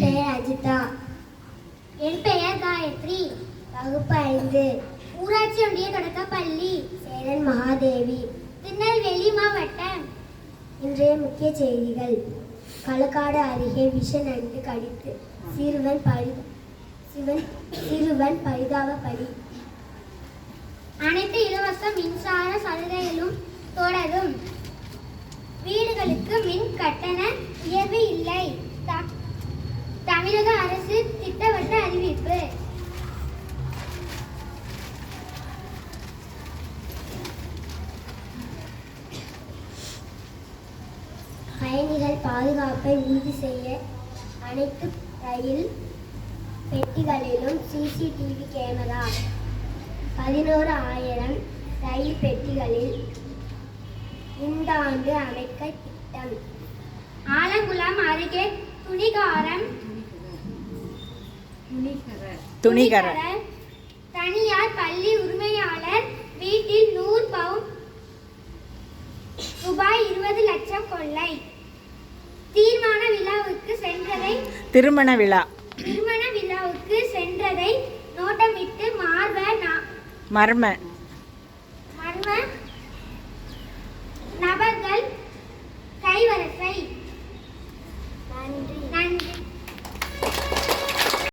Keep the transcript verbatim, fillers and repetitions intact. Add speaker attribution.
Speaker 1: பெயர் அஜிதா. என் பெயர் காயத்ரி. வகுப்பு ஐந்து. ஊராட்சி ஒன்றிய தொடக்கப்பள்ளி. சேரன் மகாதேவி, திருநெல்வேலி மாவட்டம். இன்றைய முக்கிய செய்திகள். களக்காடு அருகே விஷ நண்டு கடித்து சிறுவன் பரி சிவன் சிறுவன் பரிதாப பலி. அனைத்து இலவச மின்சார சலுகைகளும் தொடரும். வீடுகளுக்கு மின் கட்டண உயர்வு இல்லை. தமிழக அரசு திட்டவட்ட அறிவிப்பு. பயணிகள் பாதுகாப்பை உறுதி செய்ய அனைத்து ரயில் பெட்டிகளிலும் சிசிடிவி கேமரா. பதினோரு ஆயிரம் ரயில் பெட்டிகளில் இந்த ஆண்டு அமைக்க திட்டம். ஆலங்குளம் அருகே துணிகாரம்
Speaker 2: துணிகர
Speaker 1: தனியார் பள்ளி உரிமையாளர் வீட்டில் நூறு பவுன் ரூபாய் இருபது லட்சம் கொள்ளை. தீர்மான விழாவுக்கு சென்றதை
Speaker 2: திருமண விழா
Speaker 1: திருமண விழாவுக்கு சென்றதை நோட்டமிட்டு மார்ப
Speaker 2: மர்ம
Speaker 1: மர்ம